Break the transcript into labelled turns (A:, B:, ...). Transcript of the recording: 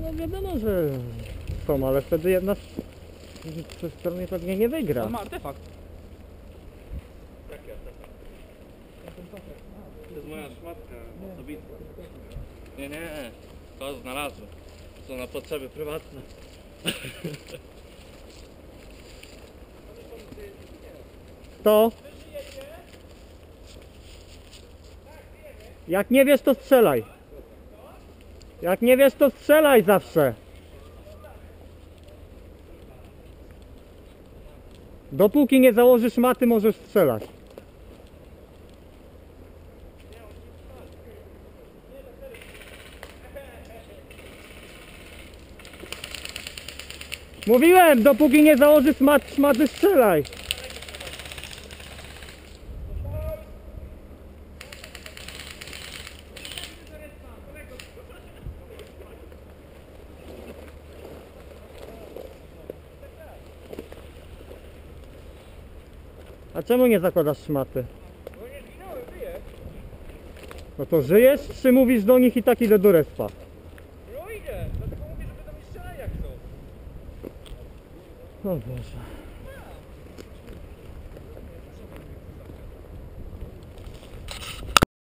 A: no wiadomo, że są, ale wtedy jedna ze stron pewnie nie wygra.
B: On ma artefakt.
C: Jaki artefakt? To jest moja szmatka osobista. Nie, to znalazłem. To na potrzeby prywatne.
A: To? Jak nie wiesz, to strzelaj. Jak nie wiesz, to strzelaj zawsze. Dopóki nie założysz maty, możesz strzelać. Mówiłem, dopóki nie założysz maty, strzelaj. A czemu nie zakładasz szmaty?
B: No nie zginąłem, żyję.
A: No to żyjesz, czy mówisz do nich i tak idę do respa?
B: No idę, dlatego mówię, że będą mi strzelać jak chcą.
A: O Boże.